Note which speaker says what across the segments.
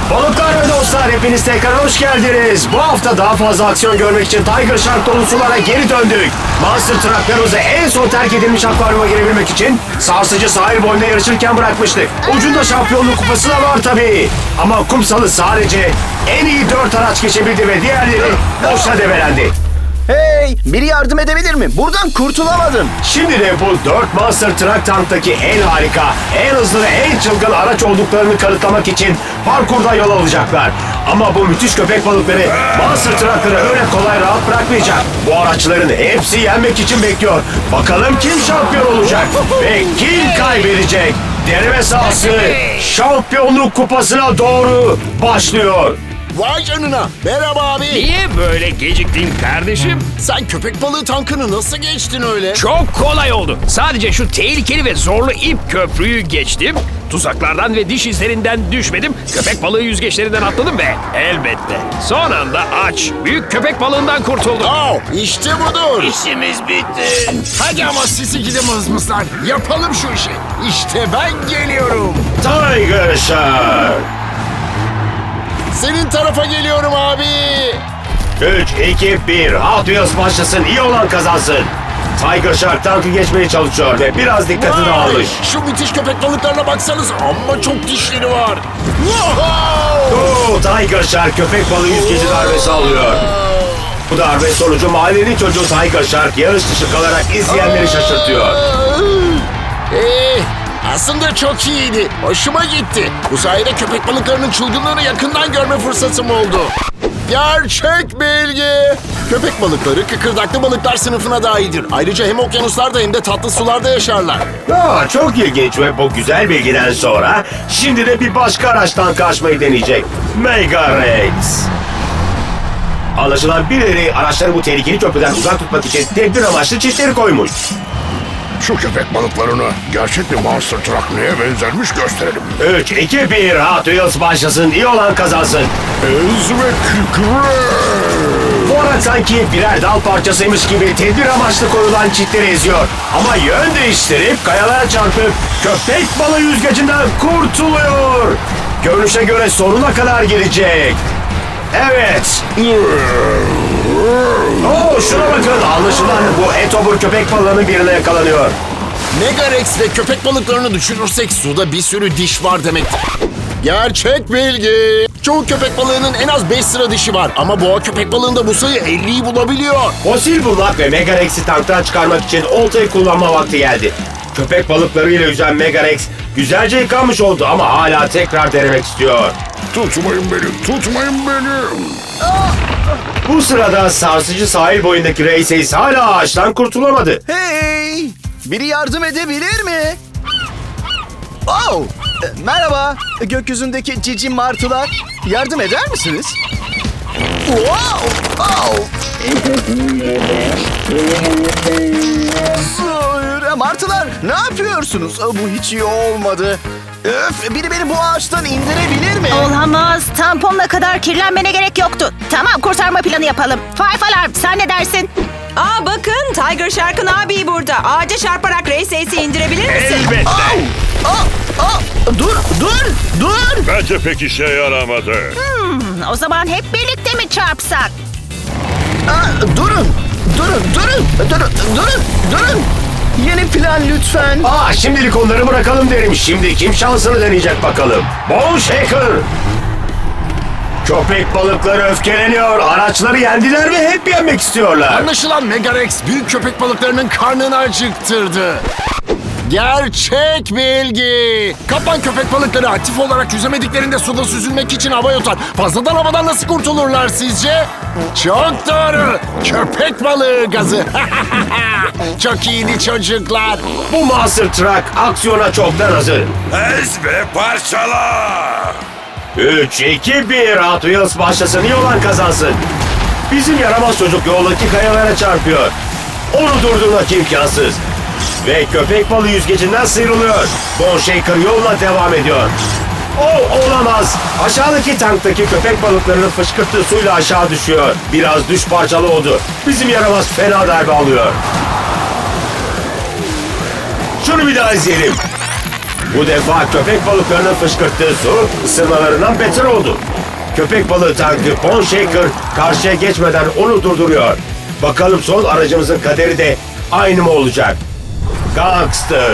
Speaker 1: Balıklar ve dostlar, hepiniz tekrar hoş geldiniz. Bu hafta daha fazla aksiyon görmek için Tiger Shark dolu sulara geri döndük. Monster Trucklarımızı en son terk edilmiş akvaryuma girebilmek için sarsıcı sahil boyunda yarışırken bırakmıştık. Ucunda şampiyonluk kupası da var tabii. Ama kumsalı sadece en iyi 4 araç geçebildi ve diğerleri boşa debelendi.
Speaker 2: Hey! Biri yardım edebilir mi? Buradan kurtulamadım.
Speaker 1: Şimdi de bu 4 Monster Truck tanktaki en harika, en hızlı ve en çılgın araç olduklarını kanıtlamak için parkurda yol alacaklar. Ama bu müthiş köpek balıkları Monster Truck'ları öyle kolay rahat bırakmayacak. Bu araçların hepsi yenmek için bekliyor. Bakalım kim şampiyon olacak ve kim kaybedecek? Deneme sahası şampiyonluk kupasına doğru başlıyor.
Speaker 3: Vay canına. Merhaba abi.
Speaker 4: Niye böyle geciktin kardeşim?
Speaker 3: Sen köpek balığı tankını nasıl geçtin öyle?
Speaker 4: Çok kolay oldu. Sadece şu tehlikeli ve zorlu ip köprüyü geçtim. Tuzaklardan ve diş izlerinden düşmedim. Köpek balığı yüzgeçlerinden atladım ve elbette son anda aç büyük köpek balığından kurtuldum.
Speaker 3: İşte budur.
Speaker 4: İşimiz bitti.
Speaker 3: Hadi ama sizi gidi mızmızlar. Yapalım şu işi. İşte ben geliyorum.
Speaker 1: Tiger Shark.
Speaker 3: Senin tarafa geliyorum abi.
Speaker 1: 3, 2, 1. Hot Wheels başlasın. İyi olan kazansın. Tiger Shark tankı geçmeye çalışıyor ve biraz dikkati dağılmış.
Speaker 3: Şu müthiş köpek balıklarına baksanız, amma çok dişleri var.
Speaker 1: Tiger Shark köpek balığı yüzgeci darbesi alıyor. Bu darbe sonucu mahallenin çocuğu Tiger Shark yarış dışı kalarak izleyenleri şaşırtıyor.
Speaker 3: Aslında çok iyiydi. Hoşuma gitti. Bu sayede köpek balıklarının çılgınlığını yakından görme fırsatım oldu. Gerçek bilgi. Köpek balıkları kıkırdaklı balıklar sınıfına dahildir. Ayrıca hem okyanuslarda hem de tatlı sularda yaşarlar.
Speaker 1: Çok ilginç ve bu güzel bilgiden sonra şimdi de bir başka araçtan kaçmayı deneyecek. Mega Rex. Anlaşılan birileri araçları bu tehlikeli köprüden uzak tutmak için tedbir amaçlı çitleri koymuş.
Speaker 5: Şu köpek balıklarını gerçek bir Monster Truck neye benzermiş gösterelim.
Speaker 1: 3, 2, 1. Hot Wheels başlasın. İyi olan kazansın.
Speaker 5: Ez ve kükre.
Speaker 1: Bu araç sanki birer dal parçasıymış gibi tedbir amaçlı koyulan çitleri eziyor. Ama yön değiştirip kayalara çarpıp köpek balığı yüzgecinden kurtuluyor. Görünüşe göre sonuna kadar gelecek. Evet. Şuna bakın. Anlaşılan bu etobur köpek balığının birine yakalanıyor.
Speaker 3: Mega Rex ve köpek balıklarını düşürürsek suda bir sürü diş var demektir. Gerçek bilgi. Çoğu köpek balığının en az 5 sıra dişi var. Ama boğa köpek balığında bu sayı 50'yi bulabiliyor.
Speaker 1: Fosil bulmak ve Mega Rex'i tanktan çıkarmak için oltayı kullanma vakti geldi. Köpek balıklarıyla yüzen Mega Rex güzelce yıkanmış oldu ama hala tekrar denemek istiyor.
Speaker 5: Tutmayın beni, tutmayın beni.
Speaker 1: Bu sırada sarsıcı sahil boyundaki Race hala ağaçtan kurtulamadı.
Speaker 2: Hey! Biri yardım edebilir mi? Merhaba. Gökyüzündeki cici martılar. Yardım eder misiniz? Hayır, martılar ne yapıyorsunuz? Bu hiç iyi olmadı. Biri beni bu ağaçtan indirebilir mi?
Speaker 6: Olamaz. Tamponla kadar kirlenmene gerek yoktu. Tamam, kurtarma planı yapalım. Five Alarm, sen ne dersin?
Speaker 7: Bakın Tiger Shark'ın abi burada. Ağaca çarparak Race Ace'i indirebilir misin?
Speaker 4: Elbette.
Speaker 2: Dur!
Speaker 5: Bence pek işe yaramadı.
Speaker 6: O zaman hep birlikte mi çarpsak?
Speaker 2: Durun! Yeni plan lütfen.
Speaker 1: Şimdilik onları bırakalım derim. Şimdi kim şansını deneyecek bakalım. Bone Shaker. Köpek balıkları öfkeleniyor. Araçları yendiler ve hep yenmek istiyorlar.
Speaker 3: Anlaşılan Mega Rex büyük köpek balıklarının karnını acıktırdı. Gerçek bilgi. Kaplan köpek balıkları aktif olarak yüzemediklerinde suda süzülmek için hava yutar. Fazladan havadan nasıl kurtulurlar sizce? Çok doğru. Köpek balığı gazı. Çok iyiydi çocuklar.
Speaker 1: Bu Monster Truck aksiyona çoktan hazır.
Speaker 5: Ez ve parçala.
Speaker 1: 3, 2, 1. Hot Wheels başlasın. İyi olan kazansın. Bizim yaramaz çocuk yoldaki kayalara çarpıyor. Onu durdurmak imkansız. Ve köpek balığı yüzgecinden sıyrılıyor. Bone Shaker yoluna devam ediyor. Olamaz. Aşağıdaki tanktaki köpek balıklarının fışkırttığı suyla aşağı düşüyor. Biraz düş parçalı oldu. Bizim yaramaz fena darbe alıyor. Şunu bir daha izleyelim. Bu defa köpek balıklarının fışkırttığı su ısırmalarından beter oldu. Köpek balığı tankı Bone Shaker karşıya geçmeden onu durduruyor. Bakalım son aracımızın kaderi de aynı mı olacak? Gangster.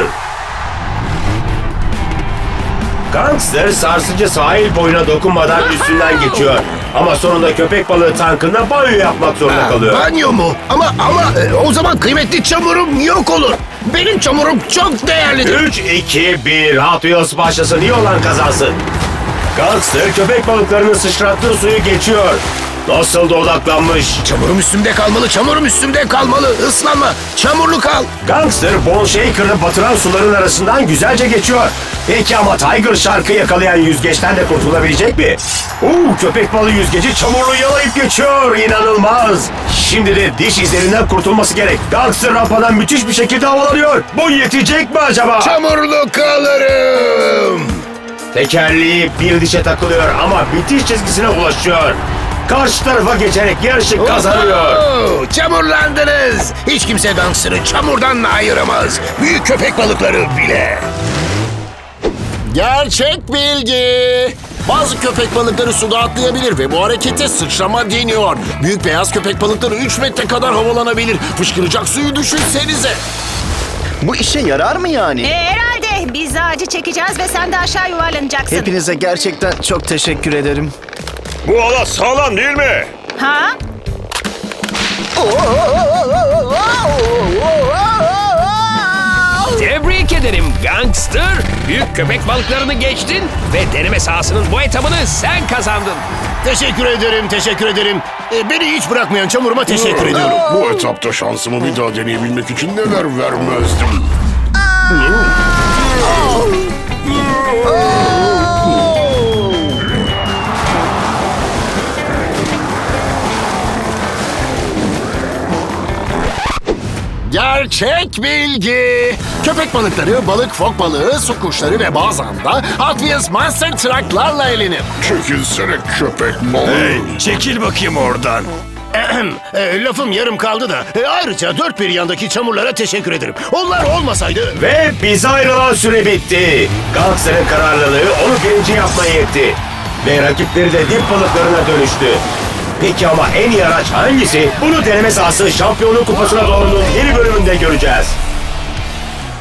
Speaker 1: Gangster sarsıcı sahil boyuna dokunmadan üstünden geçiyor. Ama sonunda köpek balığı tankında banyo yapmak zorunda kalıyor.
Speaker 3: Banyo mu? Ama o zaman kıymetli çamurum yok olur. Benim çamurum çok değerlidir.
Speaker 1: 3, 2, 1. Hot Wheels başlasın. İyi olan kazansın. Gangster köpek balıklarının sıçrattığı suyu geçiyor. Nasıl da odaklanmış.
Speaker 3: Çamurum üstümde kalmalı, çamurum üstümde kalmalı. Islanma, çamurlu kal.
Speaker 1: Gangster Bone Shaker'ı batıran suların arasından güzelce geçiyor. Peki ama Tiger Shark'ı yakalayan yüzgeçten de kurtulabilecek mi? Köpek balığı yüzgeci çamurlu yalayıp geçiyor. İnanılmaz. Şimdi de diş izlerinden kurtulması gerek. Gangster rampadan müthiş bir şekilde havalanıyor. Bu yetecek mi acaba?
Speaker 3: Çamurlu kalırım.
Speaker 1: Tekerleği bir dişe takılıyor ama bitiş çizgisine ulaşıyor. Karşı tarafa geçerek yarışı kazanıyor.
Speaker 3: Oho, çamurlandınız. Hiç kimse Gangster'ı çamurdan ayıramaz. Büyük köpek balıkları bile. Gerçek bilgi. Bazı köpek balıkları suda atlayabilir ve bu harekete sıçrama deniyor. Büyük beyaz köpek balıkları 3 metre kadar havalanabilir. Fışkıracak suyu düşünsenize.
Speaker 2: Bu işe yarar mı yani?
Speaker 6: Herhalde biz de acı çekeceğiz ve sen de aşağı yuvarlanacaksın.
Speaker 2: Hepinize gerçekten çok teşekkür ederim.
Speaker 5: Bu halat sağlam değil mi?
Speaker 6: Ha?
Speaker 4: Tebrik ederim Gangster. Büyük köpek balıklarını geçtin ve deneme sahasının bu etabını sen kazandın.
Speaker 3: Teşekkür ederim, teşekkür ederim. Beni hiç bırakmayan çamuruma teşekkür ediyorum.
Speaker 5: Bu etapta şansımı bir daha deneyebilmek için neler vermezdim.
Speaker 3: Gerçek bilgi. Köpek balıkları, balık, fok balığı, su kuşları ve bazen de Hot Wheels Monster Truck'larla eğlenir.
Speaker 5: Çekilsene köpek balığı.
Speaker 4: Çekil bakayım oradan.
Speaker 3: Lafım yarım kaldı da ayrıca dört bir yandaki çamurlara teşekkür ederim. Onlar olmasaydı...
Speaker 1: Ve bize ayrılan süre bitti. Gangster'ın kararlılığı onu birinci yapmaya yetti. Ve rakipleri de dip balıklarına dönüştü. Peki ama en iyi araç hangisi? Bunu deneme sahası şampiyonluk kupasına doğrunun yeni bölümünde göreceğiz.